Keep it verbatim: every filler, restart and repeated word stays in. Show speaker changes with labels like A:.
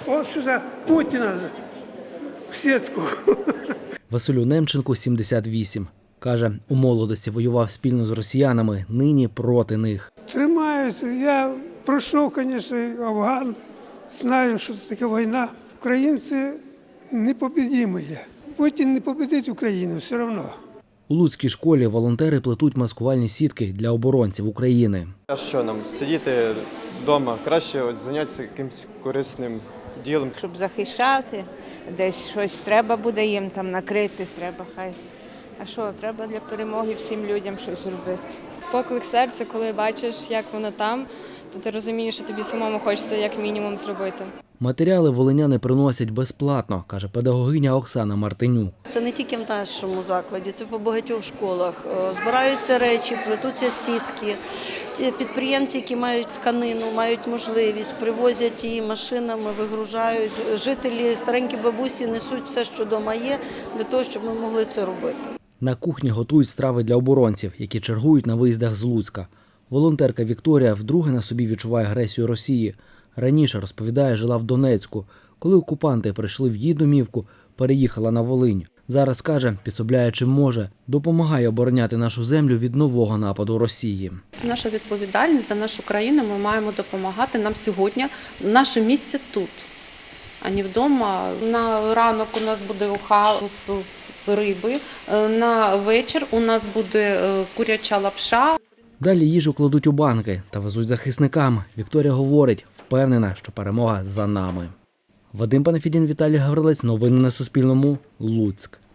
A: От сюди Путіна в сітку.
B: Василю Немченку сімдесят вісім. Каже, у молодості воював спільно з росіянами, нині проти них.
A: Тримаюся. Я пройшов, звісно, Афган. Знаю, що це таке війна. Українці непобідімі є. Путін не победить Україну все одно.
B: У Луцькій школі волонтери плетуть маскувальні сітки для оборонців України.
C: А що нам, сидіти вдома? Краще от зайнятися якимось корисним ділом.
D: Щоб захищати, десь щось треба буде їм там накрити, треба хай. А що, треба для перемоги всім людям щось зробити.
E: Поклик серця, коли бачиш, як воно там, то ти розумієш, що тобі самому хочеться як мінімум зробити.
B: Матеріали волиняни приносять безплатно, каже педагогиня Оксана Мартинюк.
F: Це не тільки в нашому закладі, це по багатьох школах. Збираються речі, плетуться сітки. Підприємці, які мають тканину, мають можливість, привозять її машинами, вигружають. Жителі, старенькі бабусі несуть все, що вдома є, для того, щоб ми могли це робити.
B: На кухні готують страви для оборонців, які чергують на виїздах з Луцька. Волонтерка Вікторія вдруге на собі відчуває агресію Росії. Раніше, розповідає, жила в Донецьку. Коли окупанти прийшли в її домівку, переїхала на Волинь. Зараз, каже, підсобляє чим може, допомагає обороняти нашу землю від нового нападу Росії.
G: Це наша відповідальність за нашу країну, ми маємо допомагати. Нам сьогодні наше місце тут, а не вдома. На ранок у нас буде уха з риби, на вечір у нас буде куряча лапша.
B: Далі їжу кладуть у банки та везуть захисникам. Вікторія говорить, впевнена, що перемога за нами. Вадим Панафідін, Віталій Гаврилець. Новини на Суспільному. Луцьк.